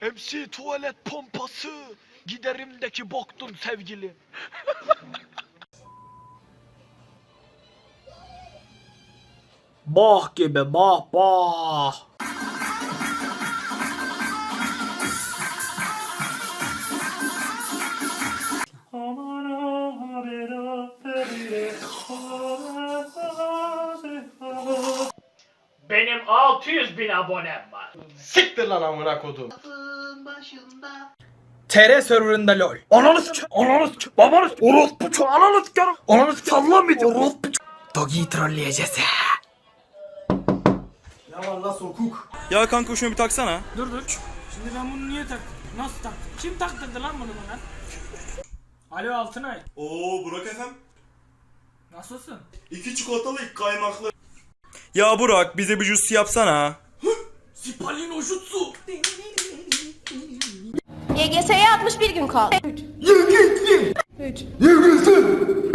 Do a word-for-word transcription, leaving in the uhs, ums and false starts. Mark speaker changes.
Speaker 1: M C tuvalet pompası. Giderimdeki boktun sevgili.
Speaker 2: Bah gibi bah bah.
Speaker 3: Benim altı yüz bin abonem var.
Speaker 4: Siktir lan amına kodum.
Speaker 2: T R serverında lol. Ananı s***. Ananı s***. Babanı s***. Orospu ç***. Ananı s***. Ananı s***. Sallamayacak. Orospu ç***. Dogi'yi trolleyeceğiz.
Speaker 4: Ya valla sokuk.
Speaker 5: Ya kanka şunu bir taksana.
Speaker 3: Dur dur. Şimdi ben bunu niye taktım? Nasıl taktım? Kim taktırdı lan bunu bana? Alo Altınay.
Speaker 5: Oo Burak efem.
Speaker 3: Nasılsın?
Speaker 5: İki çikolatalı iki kaymaklı. Ya Burak bize bir jus yapsana.
Speaker 3: Sipalino jutsu.
Speaker 6: Y G S'ye altmış bir gün kaldı.